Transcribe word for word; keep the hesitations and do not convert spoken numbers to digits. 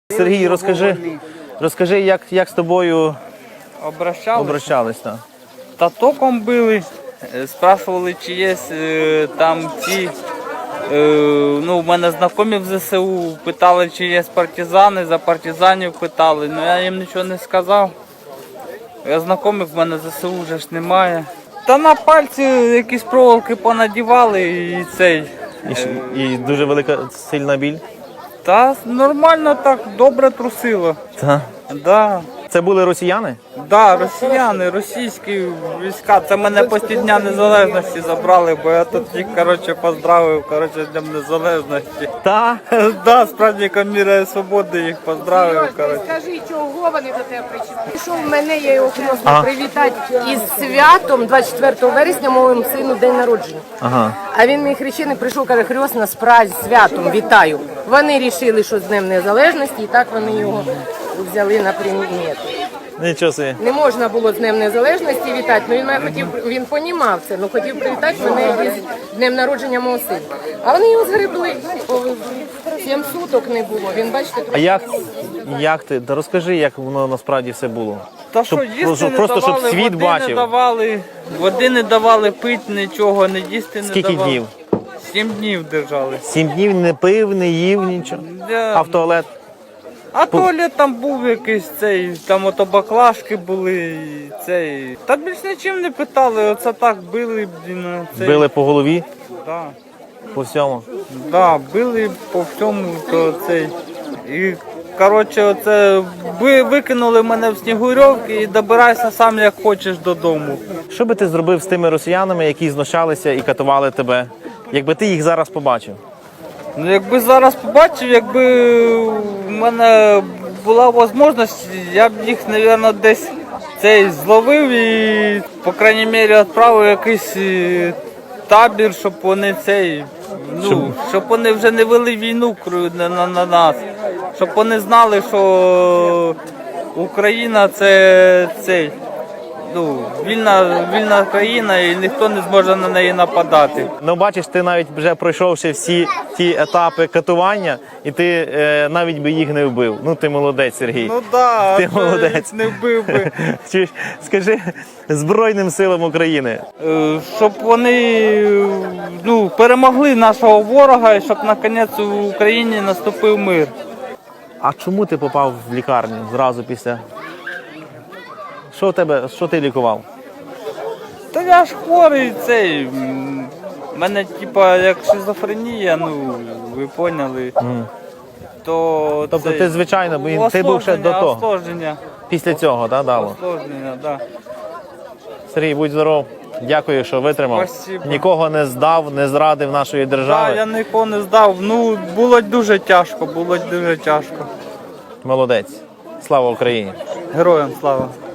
Сергій, розкажи, розкажи, як, як з тобою Обращались? обращались? Та? Та током били, е, спрашували, чи є е, там ті, е, ну, в мене знайомі в ЗСУ, питали, чи є партизани, за партизанів питали, ну я їм нічого не сказав. Я знайомих, в мене ЗСУ вже ж немає. Та на пальці якісь проволоки понадівали і цей. І, ш- і дуже велика сильна біль? Та нормально так, добре трусило. Та. Да. Це були росіяни? Да, росіяни, російські війська. Це мене після Дня Незалежності забрали, бо я тут їх, коротше, поздравив, коротше, з Днем Незалежності. Та. Да, з праздником міра і свободи їх поздравив, коротше. Скажи, чого вони до тебе прийшли? Пішов мене, я його хотіла Ага. привітати із святом двадцять четвертого вересня, моєму сину день народження. Ага. А він мій хрещений прийшов, каже, хресна з празд святом, вітаю. Вони вирішили, що з Днем Незалежності, і так вони його взяли на приміт. Нічого собі. Не можна було з Днем Незалежності вітати, але він мене хотів, він понімав це, ну хотів привітати мене із днем народження мого сина. А вони його згребли, сім суток не було, він, бачите, А як, як ти? Та розкажи, як воно насправді все було. Та Щоб- що, їсти щоб- не просто, щоб давали, світ води бачив. не давали, води не давали, пити нічого, не їсти не Скільки давали. днів? Сім днів держали. Сім днів не пив, не їв нічого. Да. А в туалет? А туалет там був якийсь цей, там ото баклажки були, і цей. Та більш нічим не питали, оце так били, блін, цей. Били по голові, Да. по всьому. Да, били по всьому, то цей. І, коротше, оце ви викинули мене в Снігурьовки і добирайся сам як хочеш додому. Що би ти зробив з тими росіянами, які знущалися і катували тебе, якби ти їх зараз побачив? Ну, якби зараз побачив, якби в мене була можливість, я б їх, мабуть, десь цей зловив і, по крайній мірі, відправив якийсь е, табір, щоб вони цей, ну, щоб вони вже не вели війну кру- на, на, на нас, щоб вони знали, що Україна це цей. Ну, вільна, вільна країна і ніхто не зможе на неї нападати. Ну, бачиш, ти навіть вже пройшовши всі ті етапи катування, і ти е, навіть би їх не вбив. Ну, ти молодець, Сергій. Ну так, Ти да, молодець. не вбив би. Чуєш? Скажи Збройним силам України. Е, Щоб вони ну, перемогли нашого ворога і щоб наконець в Україні наступив мир. А чому ти попав в лікарню зразу після? Що в тебе, що ти лікував? Та я ж хворий цей. м, в мене типа як шизофренія, ну ви поняли. Мгм. То Тобто цей, ти, звичайно, бо ти був ще до того. Осложнення, Після цього, так, дало? осложнення, да. Сергій, будь здоров. Дякую, що витримав. Спасибо. Нікого не здав, не зрадив нашої Да, держави. я нікого не здав. Ну, було дуже тяжко, було дуже тяжко. Молодець. Слава Україні. Героям слава.